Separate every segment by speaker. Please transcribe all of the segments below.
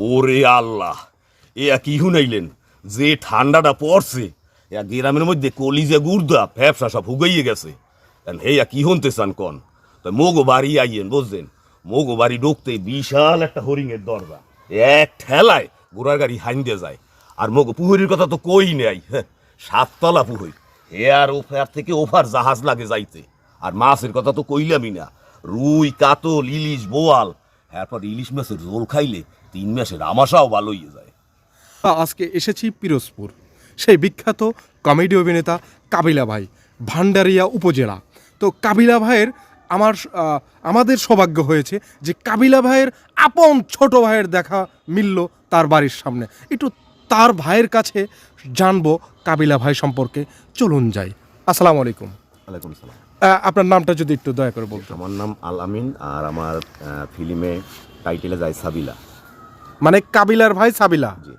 Speaker 1: ওরে আল্লাহ, এ কি শুনাইলেন? যে ঠান্ডাটা পড়ছে গ্রামের মধ্যে কলিজা গুর্দা ফ্যাপসা সব হুগাইয়ে গেছে। হেয়া কি শুনতে চান কন? তো মোগো বাড়ি আইয়েন, বুঝলেন? মোগো বাড়ি ঢুকতে বিশাল একটা হরিণের দরজা, এক ঠেলায় ঘোড়ার গাড়ি হাইন্দে যায়। আর মোগো পুহরির কথা তো কই নেই, হ্যাঁ, 7 তলা পুহরি। হেয়ার ওফার থেকে ওফার জাহাজ লাগে যাইতে। আর মাছের কথা তো কইলামই না, রুই, কাতল, ইলিশ, বোয়াল। এরপর ইলিশ মাছের রোল খাইলে 3 মাসের আমাশাও ভালো হয়ে যায়।
Speaker 2: আজকে এসেছি পিরোজপুর, সেই বিখ্যাত কমেডি অভিনেতা কাবিলা ভাই, ভান্ডারিয়া উপজেলা। তো কাবিলা ভাইয়ের আমাদের সৌভাগ্য হয়েছে যে কাবিলা ভাইয়ের আপন ছোট ভাইয়ের দেখা মিলল তার বাড়ির সামনে। একটু তার ভাইয়ের কাছে জানবো কাবিলা ভাই সম্পর্কে। চলুন যাই। আসসালামু আলাইকুম।
Speaker 1: ওয়ালাইকুম সালাম।
Speaker 2: আপনার নামটা যদি একটু দয়া করে বলতেন।
Speaker 1: আমার নাম আল আমিন, আর আমার ফিল্মে টাইটেলে যায় সাবিলা।
Speaker 2: মানে কাবিলার ভাই সাবিলা।
Speaker 1: জি।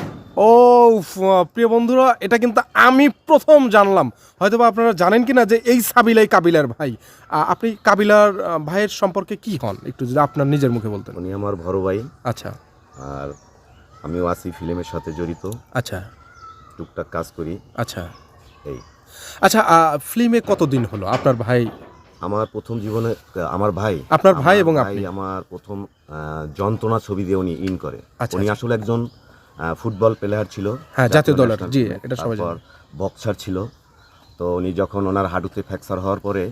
Speaker 2: ও প্রিয় বন্ধুরা, এটা কিন্তু আমি প্রথম জানলাম। হয়তো বা আপনারা জানেন কি না যে এই সাবিলাই কাবিলার ভাই। আপনি কাবিলার ভাইয়ের সম্পর্কে কি হন, একটু যদি আপনার নিজের মুখে বলতেন।
Speaker 1: উনি আমার বড় ভাই।
Speaker 2: আচ্ছা
Speaker 1: আর আমিও আছি ফিল্মের সাথে জড়িত,
Speaker 2: আচ্ছা
Speaker 1: টুকটাক কাজ করি।
Speaker 2: আচ্ছা
Speaker 1: এই
Speaker 2: আচ্ছা, ফিল্মে কতদিন হলো আপনার ভাই?
Speaker 1: আমার প্রথম জীবনে আপনার ভাই
Speaker 2: এবং আপনি?
Speaker 1: আমার প্রথম যন্ত্রণা ছবি দিয়ে উনি ইন করে।
Speaker 2: আচ্ছা,
Speaker 1: উনি
Speaker 2: আচ্ছা।
Speaker 1: আসলে একজন ফুটবল প্লেয়ার ছিল,
Speaker 2: হ্যাঁ, জাতীয় দলের। জি, এটা সবাই
Speaker 1: তারপর
Speaker 2: জানে।
Speaker 1: বক্সার ছিল। তো উনি যখন ওনার হাঁটুতে ফ্র্যাকচার হওয়ার পরে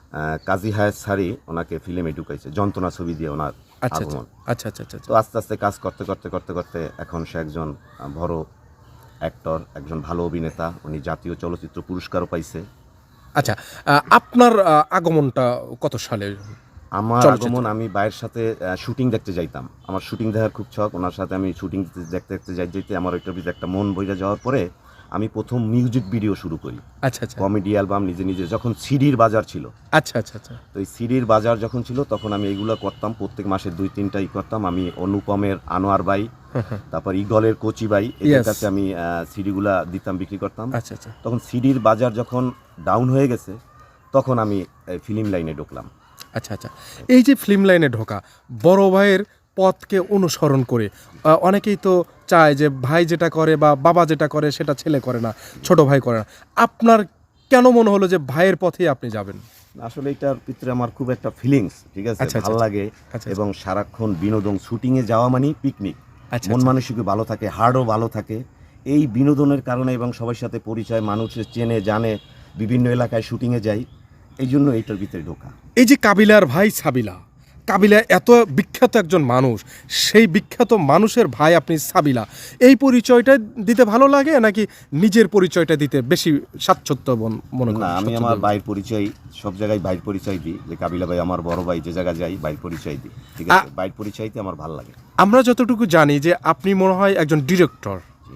Speaker 1: কাজী হায়াত সারি ওনাকে ফিল্মে ঢুকাইছে যন্ত্রণা ছবি দিয়ে ওনার
Speaker 2: আচ্ছা
Speaker 1: আগমন।
Speaker 2: আচ্ছা আচ্ছা আচ্ছা
Speaker 1: তো আস্তে আস্তে কাজ করতে করতে করতে করতে এখন সে একজন বড় অ্যাক্টর, একজন ভালো অভিনেতা। উনি জাতীয় চলচ্চিত্র পুরস্কারও পাইছে।
Speaker 2: আচ্ছা, আপনার আগমনটা কত সালে?
Speaker 1: আমার আগমন, আমি বাইরের সাথে শুটিং দেখতে যাইতাম। আমার শুটিং দেখার খুব শখ। ওনার সাথে আমি শুটিং দেখতে দেখতে যাইতে আমার ওইটার ভিতরে একটা মন বইরা যাওয়ার পরে আমি প্রথম মিউজিক ভিডিও শুরু করি।
Speaker 2: আচ্ছা আচ্ছা
Speaker 1: কমেডি অ্যালবাম নিজে নিজে, যখন সিডির বাজার ছিল।
Speaker 2: আচ্ছা আচ্ছা আচ্ছা
Speaker 1: তো এই সিডির বাজার যখন ছিল তখন আমি এইগুলো করতাম, প্রত্যেক মাসে 2-3টাই করতাম। আমি অনুপমের আনোয়ার বাই, তারপর ইগলের কোচি বাই, এদের কাছে আমি সিডিগুলা দিতাম, বিক্রি করতাম।
Speaker 2: আচ্ছা আচ্ছা
Speaker 1: তখন সিডির বাজার যখন ডাউন হয়ে গেছে তখন আমি ফিল্ম লাইনে ঢুকলাম।
Speaker 2: আচ্ছা আচ্ছা। এই যে ফিল্ম লাইনে ঢোকা, বড় ভাইয়ের পথকে অনুসরণ করে, অনেকেই তো চায় যে ভাই যেটা করে বা বাবা যেটা করে সেটা ছেলে করে না, ছোট ভাই করে না। আপনার কেন মনে হলো যে ভাইয়ের পথেই আপনি যাবেন?
Speaker 1: আসলে এটার ভিতরে আমার খুব একটা ফিলিংস, ঠিক আছে,
Speaker 2: আচ্ছা,
Speaker 1: ভালো
Speaker 2: আচ্ছা,
Speaker 1: লাগে।
Speaker 2: আচ্ছা,
Speaker 1: এবং সারাক্ষণ বিনোদন, শুটিংয়ে যাওয়া মানে পিকনিক,
Speaker 2: আচ্ছা,
Speaker 1: মন
Speaker 2: আচ্ছা।
Speaker 1: মানসিকও ভালো থাকে, হার্টও ভালো থাকে। এই বিনোদনের কারণে এবং সবার সাথে পরিচয়, মানুষের চেনে জানে, বিভিন্ন এলাকায় শুটিংয়ে যাই, এই জন্য এইটার ভিতরে ঢোকা।
Speaker 2: এই যে কাবিলার ভাই সাবিলা, কাবিলা এত বিখ্যাত একজন মানুষ, সেই বিখ্যাত মানুষের ভাই আপনি সাবিলা, এই পরিচয়টা দিতে ভালো লাগে নাকি নিজের পরিচয়টা দিতে বেশি স্বাচ্ছন্দ্য মনে করেন?
Speaker 1: না, আমি আমার ভাইয়ের পরিচয় সব জায়গায় ভাইয়ের পরিচয় দিই, যে কাবিলা ভাই আমার বড় ভাই, যে জায়গায় যাই ভাইয়ের পরিচয় দিই, ঠিক আছে। ভাইয়ের পরিচয়তে আমার ভালো লাগে।
Speaker 2: আমরা যতটুকু জানি যে আপনি মনে হয় একজন ডিরেক্টর।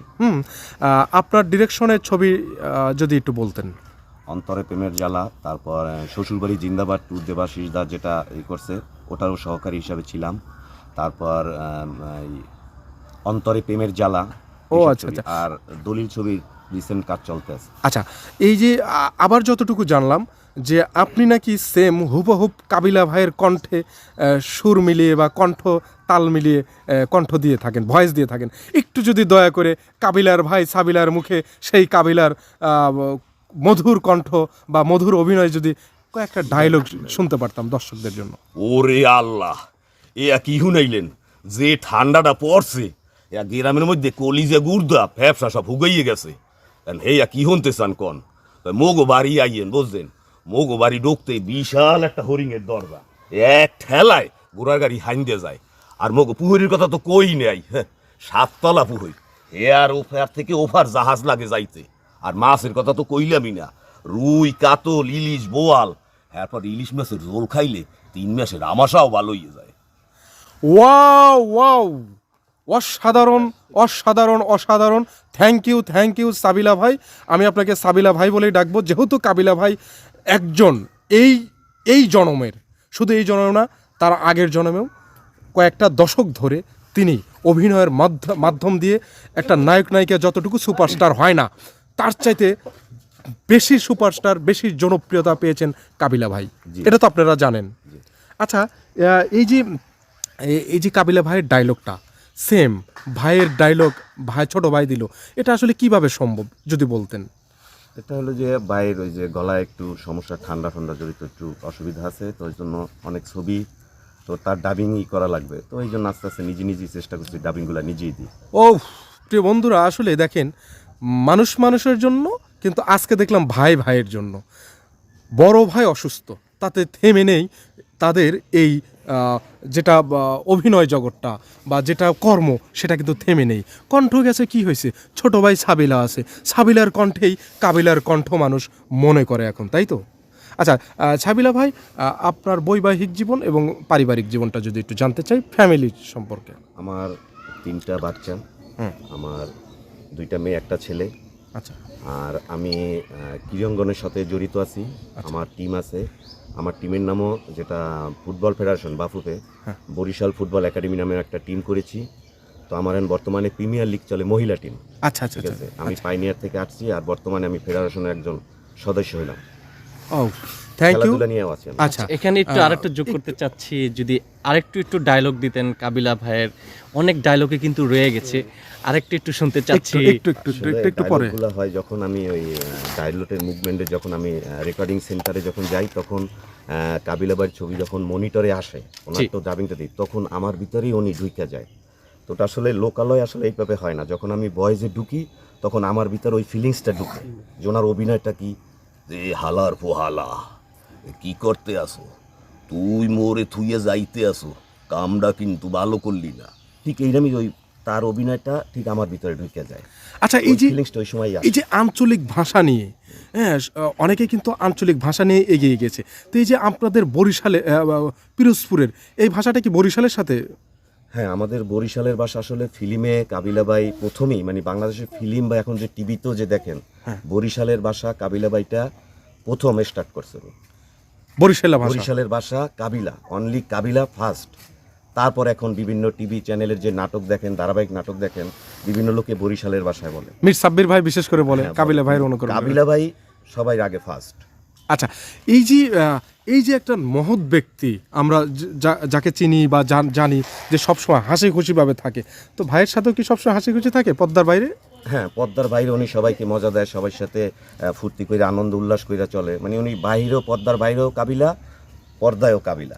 Speaker 2: আপনার ডিরেকশনের ছবি যদি একটু বলতেন।
Speaker 1: অন্তরে প্রেমের জ্বালা, তারপর শ্বশুরবাড়ি জিন্দাবাদ টু দেবাশিস দা যেটা করছে ওটারও সহকারী হিসাবে ছিলাম। তারপর অন্তরে প্রেমের জ্বালা,
Speaker 2: ও আচ্ছা আচ্ছা।
Speaker 1: আর দলিল ছবির রিসেন্ট কাজ চলতেছে।
Speaker 2: আচ্ছা, এই যে আবার যতটুকু জানলাম যে আপনি নাকি সেম হুবহুব কাবিলা ভাইয়ের কণ্ঠে সুর মিলিয়ে বা কণ্ঠ তাল মিলিয়ে কণ্ঠ দিয়ে থাকেন, ভয়েস দিয়ে থাকেন। একটু যদি দয়া করে কাবিলার ভাই সাবিলার মুখে সেই কাবিলার মধুর কণ্ঠ বা মধুর অভিনয় যদি কয়েকটা ডায়লগ শুনতে পারতাম দর্শকদের জন্য।
Speaker 1: ওরে আল্লাহ, এ কি শুনাইলেন? যে ঠান্ডাটা পড়ছে গ্রামের মধ্যে কলিজা গুর্দা ফ্যাপসা সব হুগাইয়ে গেছে। হেয়া কি শুনতে চান কন? মোগো বাড়ি আইয়েন, বুঝলেন? মোগো বাড়ি ঢুকতে বিশাল একটা হরিণের দরজা, এক ঠেলায় ঘোড়ার গাড়ি হাইন্দে যায়। আর মোগো পুহরির কথা তো কই নেই, হ্যাঁ, 7 তলা পুহরি। হেয়ার ওফার থেকে ওফার জাহাজ লাগে যাইতে। আর মাছের কথা তো কইলামই না, রুই, কাতল, ইলিশ, বোয়াল। এরপর ইলিশ মাছের রোল খাইলে 3 মাসের আমাশাও ভালো হয়ে যায়।
Speaker 2: ওয়াও ওয়াও, অসাধারণ অসাধারণ অসাধারণ। থ্যাংক ইউ সাবিলা ভাই। আমি আপনাকে সাবিলা ভাই বলেই ডাকবো, যেহেতু কাবিলা ভাই একজন এই জনমের, শুধু এই জনম না, তার আগের জনমেও কয়েকটা দশক ধরে তিনি অভিনয়ের মাধ্যম দিয়ে একটা নায়ক নায়িকা যতটুকু সুপারস্টার হয় না, তার চাইতে বেশি সুপারস্টার, বেশি জনপ্রিয়তা পেয়েছেন কাবিলা ভাই। এটা তো আপনারা জানেন। আচ্ছা, এই যে কাবিলা ভাইয়ের ডায়লগটা, সেম ভাইয়ের ডায়লগ ভাই ছোট ভাই দিল, এটা আসলে কিভাবে সম্ভব যদি বলতেন?
Speaker 3: এটা হলো যে বাইরের ওই যে গলায় একটু সমস্যা, ঠান্ডা ঠান্ডা জড়িত একটু অসুবিধা আছে, তো ওই জন্য অনেক ছবি তো তার ডাবিংই করা লাগবে, তো এই জন্য আস্তে আস্তে নিজেই চেষ্টা করছি ডাবিংগুলো নিজেই দিই।
Speaker 2: ও প্রিয় বন্ধুরা, আসলে দেখেন মানুষ মানুষের জন্য, কিন্তু আজকে দেখলাম ভাই ভাইয়ের জন্য। বড় ভাই অসুস্থ, তাতে থেমে নেই তাদের এই যেটা অভিনয় জগৎটা বা যেটা কর্ম, সেটা কিন্তু থেমে নেই। কণ্ঠ গেছে, কি হয়েছে, ছোট ভাই সাবিলা আছে, সাবিলার কণ্ঠেই কাবিলার কণ্ঠ মানুষ মনে করে এখন, তাই তো? আচ্ছা সাবিলা ভাই, আপনার বৈবাহিক জীবন এবং পারিবারিক জীবনটা যদি একটু জানতে চাই, ফ্যামিলি সম্পর্কে।
Speaker 3: আমার 3টা বাচ্চা, আমার 2টা মেয়ে 1টা ছেলে।
Speaker 2: আচ্ছা
Speaker 3: আর আমি ক্রীড়াঙ্গনের সাথে জড়িত আছি, আমার টিম আছে। আমার টিমের নামও যেটা football federation Bafufe Barishal football academy নামের একটা টিম করেছি। তো আমার এখন বর্তমানে প্রিমিয়ার লিগ চলে, মহিলা টিম।
Speaker 2: আচ্ছা আচ্ছা
Speaker 3: ঠিক আছে, আমি পাইনিয়ার থেকে আসছি, আর বর্তমানে আমি ফেডারেশনের একজন সদস্য হলাম।
Speaker 2: ও থ্যাংক ইউ।
Speaker 3: খেলাধুলা নিয়েও আছি আমি।
Speaker 2: আচ্ছা
Speaker 4: এখানে একটু আরেকটু যোগ করতে চাচ্ছি, যদি একটু ডায়লগ দিতেন কাবিলা ভাইয়ের, অনেক ডায়লগে কিন্তু রয়ে গেছে, একটু শুনতে চাচ্ছি।
Speaker 2: একটু পরে
Speaker 3: ডায়লগগুলো হয় যখন আমি ওই ডায়লগের মুভমেন্টে যখন আমি রেকর্ডিং সেন্টারে যখন যাই, তখন কাবিলাবাইয়ের ছবি যখন মনিটরে আসে, ওনার তো ডাবিংটা দিই, তখন আমার ভিতরেই উনি ঢুকে যায়। তো ওটা আসলে লোকালয় আসলে এইভাবে হয় না, যখন আমি ভয়েসে ঢুকি তখন আমার ভিতরে ওই ফিলিংসটা ঢুকে যে ওনার অভিনয়টা কি,
Speaker 1: যে হালার পোহালা কি করতে আসো, তুই মোরে থুইয়ে যাইতে আসো, কামটা কিন্তু ভালো করলি না।
Speaker 3: ঠিক এইরকমই ওই তার অভিনয়টা ঠিক আমার ভিতরে ঢুকে যায়।
Speaker 2: আচ্ছা এই যে
Speaker 3: ফিলিংসটা ওই সময়
Speaker 2: এই যে আঞ্চলিক ভাষা নিয়ে, হ্যাঁ অনেকে কিন্তু আঞ্চলিক ভাষা নিয়ে এগিয়ে গেছে, তো এই যে আপনাদের বরিশালে পিরোজপুরের এই ভাষাটা কি বরিশালের সাথে?
Speaker 3: হ্যাঁ, আমাদের বরিশালের ভাষা আসলে ফিল্মে কাবিলাবাই প্রথমেই, মানে বাংলাদেশের ফিল্ম বা এখন যে টিভিতেও যে দেখেন, বরিশালের ভাষা কাবিলাবাইটা প্রথম স্টার্ট করছে।
Speaker 2: বরিশালা ভাষা,
Speaker 3: বরিশালের ভাষা কাবিলা, অনলি কাবিলা ফার্স্ট। তারপর এখন বিভিন্ন টিভি চ্যানেলের যে নাটক দেখেন, ধারাবাহিক নাটক দেখেন, বিভিন্ন লোকে বরিশালের ভাষায় বলে।
Speaker 2: মির সাব্বির ভাই বিশেষ করে বলে
Speaker 3: হ্যাঁ,
Speaker 2: কাবিলা ভাইয়ের অনুকরণ করে।
Speaker 3: কাবিলা ভাই সবাই আগে ফার্স্ট।
Speaker 2: আচ্ছা এই যে একটা মহৎ ব্যক্তি, আমরা যাকে চিনি বা জানি যে সবসময় হাসি খুশিভাবে থাকে, তো ভাইয়ের সাথেও কি সবসময় হাসি খুশি থাকে পর্দার বাইরে?
Speaker 3: হ্যাঁ, পর্দার বাইরে উনি সবাইকে মজা দেয়, সবার সাথে ফুর্তি করে আনন্দ উল্লাস করে চলে, মানে উনি বাইরেও, পর্দার বাইরেও কাবিলা, পর্দায়ও কাবিলা।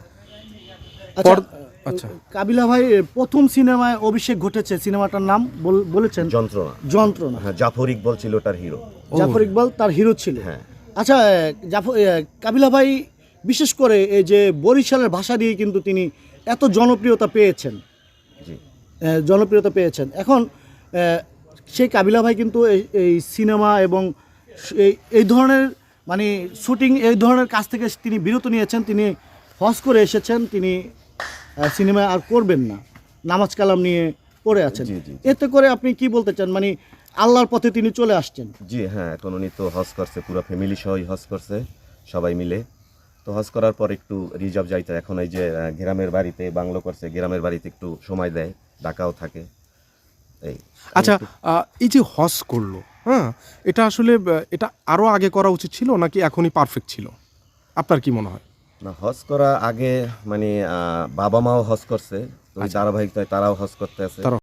Speaker 2: আচ্ছা
Speaker 5: কাবিলা ভাই প্রথম সিনেমায় অভিষেক ঘটেছে, সিনেমাটার নাম বলেছেন?
Speaker 3: যন্ত্রণা।
Speaker 5: যন্ত্রণা।
Speaker 3: হ্যাঁ, জাফর ইকবাল ছিল তার হিরো।
Speaker 5: জাফর ইকবাল তার হিরো ছিল।
Speaker 3: হ্যাঁ।
Speaker 5: আচ্ছা কাবিলা ভাই বিশেষ করে এই যে বরিশালের ভাষা দিয়ে কিন্তু তিনি এত জনপ্রিয়তা পেয়েছেন।
Speaker 3: জি।
Speaker 5: জনপ্রিয়তা পেয়েছেন। এখন সেই কাবিলা ভাই কিন্তু এই সিনেমা এবং এই ধরনের মানে শুটিং, এই ধরনের কাজ থেকে তিনি বিরত নিয়েছেন, তিনি হজ করে এসেছেন, তিনি সিনেমায় আর করবেন না, নামাজ কালাম নিয়ে পড়ে আছেন।
Speaker 3: জি, জি।
Speaker 5: এতে করে আপনি কি বলতে চান, মানে আল্লাহর পথে তিনি চলে আসছেন?
Speaker 3: জি হ্যাঁ, এখন উনি তো হজ করছে, পুরো ফ্যামিলি সহই হজ করছে, সবাই মিলে। তো হজ করার পর একটু রিজার্ভ যাইতে, এখন এই যে গ্রামের বাড়িতে বাংলো করছে, গ্রামের বাড়িতে একটু সময় দেয়, ঢাকাও থাকে এই।
Speaker 2: আচ্ছা এই যে হজ করলো, হ্যাঁ এটা আসলে এটা আরও আগে করা উচিত ছিল নাকি এখনই পারফেক্ট ছিল, আপনার কি মনে হয়?
Speaker 3: না, হজ করা আগে, মানে বাবা মাও হজ করছে, তো ধারাবাহিক তারাও হজ করতে আছে।